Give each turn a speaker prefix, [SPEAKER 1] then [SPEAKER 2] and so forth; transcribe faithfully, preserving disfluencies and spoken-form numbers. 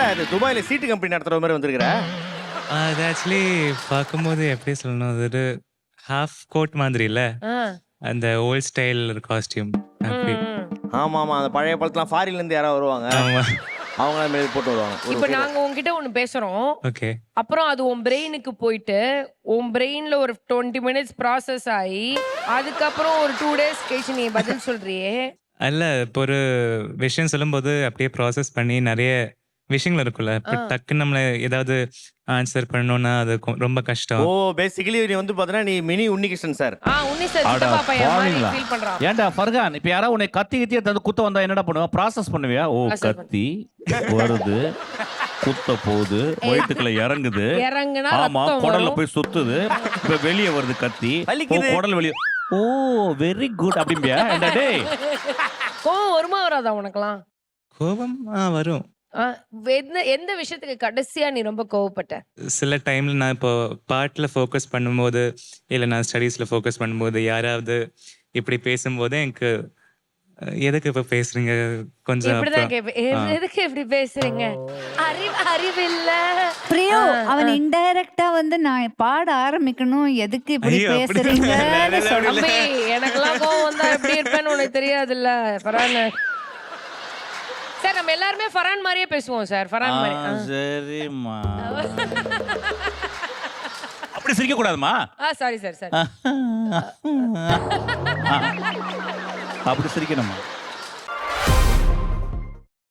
[SPEAKER 1] அது துபாயில சீட்டு கம்பெனி நடத்துற மாதிரி வந்திருக்கிற?
[SPEAKER 2] அது ஆக்சுவலி பார்க்கும்போது எப்படி சொல்லணும், அது ஒரு ஹாஃப் கோட் மாதிரி இல்ல,
[SPEAKER 3] ஆ.
[SPEAKER 2] அந்த ஓல்ட் ஸ்டைல் காஸ்டியூம் அப்படி.
[SPEAKER 3] ம், ம்.
[SPEAKER 1] ஆமா ஆமா அந்த பழைய படத்துலாம் ஃபாரின்ல இருந்து யாராவது வருவாங்க,
[SPEAKER 2] ஆமா.
[SPEAKER 1] அவங்க அந்த மாதிரி போட்டு வருவாங்க.
[SPEAKER 3] இப்ப நாங்க உன்கிட்ட ஒண்ணு பேசுறோம்.
[SPEAKER 2] ஓகே.
[SPEAKER 3] அப்புறம் அது உன் பிரெயினுக்கு போயிட்டு உன் பிரெயின்ல ஒரு டுவெண்ட்டி மினிட்ஸ் ப்ராசஸ் ஆகி அதுக்கப்புறம் ஒரு டூ டேஸ் கழிச்சு நீ பதில் சொல்றியே.
[SPEAKER 2] அல்ல, இப்போ ஒரு விஷயம் சொல்லும்போது அப்படியே ப்ராசஸ் பண்ணி நிறைய விஷயங்கள் இருக்குல்ல, இப்போ
[SPEAKER 3] ஆ.
[SPEAKER 2] டக்குன்னு நம்மள ஏதாவது ஆன்சர் பண்ணணும்னா அது கொ- ரொம்ப கஷ்டம்.
[SPEAKER 1] ஓ பேசிக்கலி நீ வந்து பாத்தீங்கன்னா நீ மினி உன்னிகிருஷ்ணன் சார்.
[SPEAKER 3] ஆ உன்னி சார்
[SPEAKER 4] அட
[SPEAKER 3] சித்தப்பா பையன் மாதிரி
[SPEAKER 4] பாவிங்களா.
[SPEAKER 3] ஃபீல் பண்றான்.
[SPEAKER 4] ஏன்டா ஃபர்கான், இப்ப யாராவது உன்னை கத்தி கத்தி எடுத்து குத்த வந்தா என்னடா பண்ணுவா? ப்ராசஸ் பண்ணுவியா? ஓ
[SPEAKER 3] Process பண்ணு.
[SPEAKER 4] கத்தி வருது, குத்த போகுது, வயிற்றுக்குள்ள இறங்குது,
[SPEAKER 3] இறங்குனா
[SPEAKER 4] ஆமா
[SPEAKER 3] ரத்தம்
[SPEAKER 4] குடல்ல
[SPEAKER 3] வரும்.
[SPEAKER 4] போய் சுத்துது, இப்ப வெளியே வருது கத்தி, ஓ
[SPEAKER 1] வலிக்குது.
[SPEAKER 4] குடல் வெளியே, ஓ வெரி குட் அப்படிம்பியா? ஏன்டா டேய்,
[SPEAKER 3] கோவம் வருமா வராதா உனக்கெல்லாம்?
[SPEAKER 2] கோபம் ஆ வரும்.
[SPEAKER 3] ஆ, எந்த எந்த விஷயத்துக்கு கடைசியா நீ ரொம்ப கோவப்பட்ட?
[SPEAKER 2] சில டைம்ல நான் இப்போ பாட்டில் ஃபோக்கஸ் பண்ணும்போது, இல்லை நான் ஸ்டடீஸில் ஃபோக்கஸ் பண்ணும்போது யாராவது இப்படி பேசும்போது எனக்கு அஹ், எதுக்கு இப்போ பேசுறீங்க கொஞ்சம்
[SPEAKER 3] இப்படிதான்
[SPEAKER 2] அப்புறம்
[SPEAKER 3] கேப்பேன். எது- எதுக்கு இப்படி பேசுறீங்க? அறிவு அறிவில்ல.
[SPEAKER 5] பிரியோ
[SPEAKER 3] ஆ,
[SPEAKER 5] அவன்
[SPEAKER 3] ஆ.
[SPEAKER 5] இன்டைரக்டா வந்து நான் பாட ஆரம்பிக்கணும், எதுக்கு இப்படி
[SPEAKER 2] ஐயோ, அப்படி
[SPEAKER 5] பேசுறீங்கன்னு சொல்றான்.
[SPEAKER 3] தம்பி எனக்கெல்லாம் கோவம் வந்தா எப்படி இருப்பேன்னு உனக்கு தெரியாதுல்ல ஃபரான். சார் நம்ம எல்லாருமே ஃபரான் மாதிரியே பேசுவோம் சார். ஃபரான் மாதிரி.
[SPEAKER 4] ஆ, சரிம்மா அப்படி சிரிக்க கூடாதுமா,
[SPEAKER 3] ஆ சாரி சார் சார்.
[SPEAKER 4] அப்படி சிரிக்கணுமா?